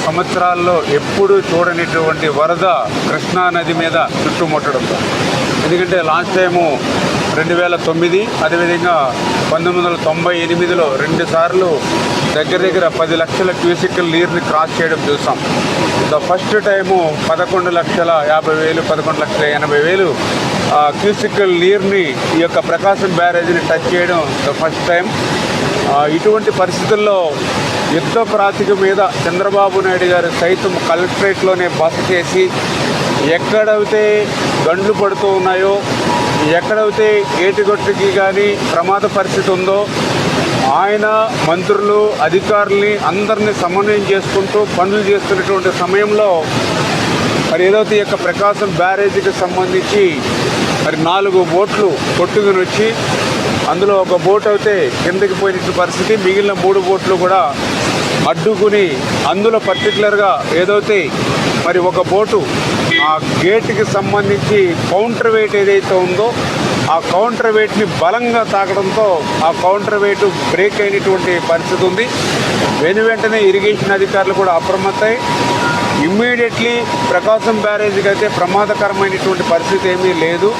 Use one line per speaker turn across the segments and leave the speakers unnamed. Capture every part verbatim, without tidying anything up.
సంవత్సరాల్లో ఎప్పుడు చూడనిటువంటి వరద కృష్ణా నది మీద చుట్టుముట్టడం. ఎందుకంటే లాస్ట్ టైము రెండు వేల తొమ్మిది అదేవిధంగా పంతొమ్మిది వందల తొంభై ఎనిమిదిలో రెండు సార్లు దగ్గర దగ్గర పది లక్షల క్యూసికల్ నీరుని క్రాస్ చేయడం చూసాం. ద ఫస్ట్ టైము పదకొండు లక్షల యాభై వేలు పదకొండు లక్షల ఎనభై వేలు క్యూసికల్ నీరుని ఈ యొక్క ప్రకాశం బ్యారేజ్ని టచ్ చేయడం ద ఫస్ట్ టైం. ఇటువంటి పరిస్థితుల్లో యుద్ధ ప్రాతిక మీద చంద్రబాబు నాయుడు గారు సైతం కలెక్టరేట్లోనే బస చేసి ఎక్కడైతే గండ్లు పడుతూ ఉన్నాయో, ఎక్కడైతే ఏటిగొట్టుకి కానీ ప్రమాద పరిస్థితి ఉందో ఆయన మంత్రులు అధికారుల్ని అందరినీ సమన్వయం చేసుకుంటూ పనులు చేస్తున్నటువంటి సమయంలో మరి ఏదైతే ఈ యొక్క ప్రకాశం బ్యారేజీకి సంబంధించి మరి నాలుగు బోట్లు కొట్టుకుని వచ్చి అందులో ఒక బోట్ అయితే కిందకి పోయిన పరిస్థితి, మిగిలిన మూడు బోట్లు కూడా అడ్డుకుని అందులో పర్టికులర్గా ఏదైతే మరి ఒక బోటు ఆ గేట్కి సంబంధించి కౌంటర్ వెయిట్ ఏదైతే ఉందో ఆ కౌంటర్ వెయిట్ని బలంగా తాకడంతో ఆ కౌంటర్ వెయిట్ బ్రేక్ అయినటువంటి పరిస్థితి ఉంది. వెను వెంటనే ఇరిగేషన్ అధికారులు కూడా అప్రమత్తమై ఇమ్మీడియట్లీ ప్రకాశం బ్యారేజీకి అయితే ప్రమాదకరమైనటువంటి పరిస్థితి ఏమీ లేదు.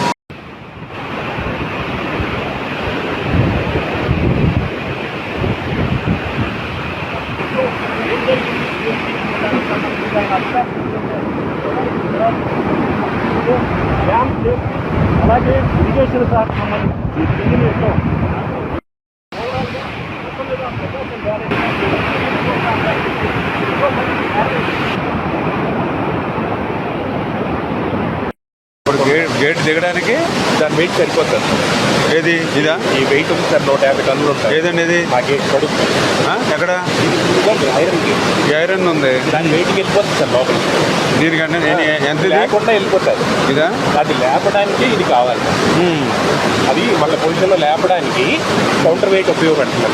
అలాగే ఇరిగేషన్ శాఖ సంబంధించి
ఇప్పుడు గేట్ గేట్ దిగడానికి
దాని వెయిట్ సరిపోతుంది.
ఏది ఇదా?
ఈ వెయిట్ ఉంది సార్, నూట యాభై టన్నులు ఉంటాయి.
ఏదండి ఇది?
ఆ గేట్ పడుతుంది.
ఎక్కడ?
Iron gate.
ఈ ఐరన్ ఉంది,
దాని వెయిట్కి వెళ్ళిపోతుంది సార్ లోపల.
దీనికంటే నేను ఎంత
లేకుండా వెళ్ళిపోతుంది.
ఇదా?
అది లేపడానికి ఇది కావాలి. అది మళ్ళీ పొజిషన్లో లేపడానికి కౌంటర్ వెయిట్ ఉపయోగపడుతుంది.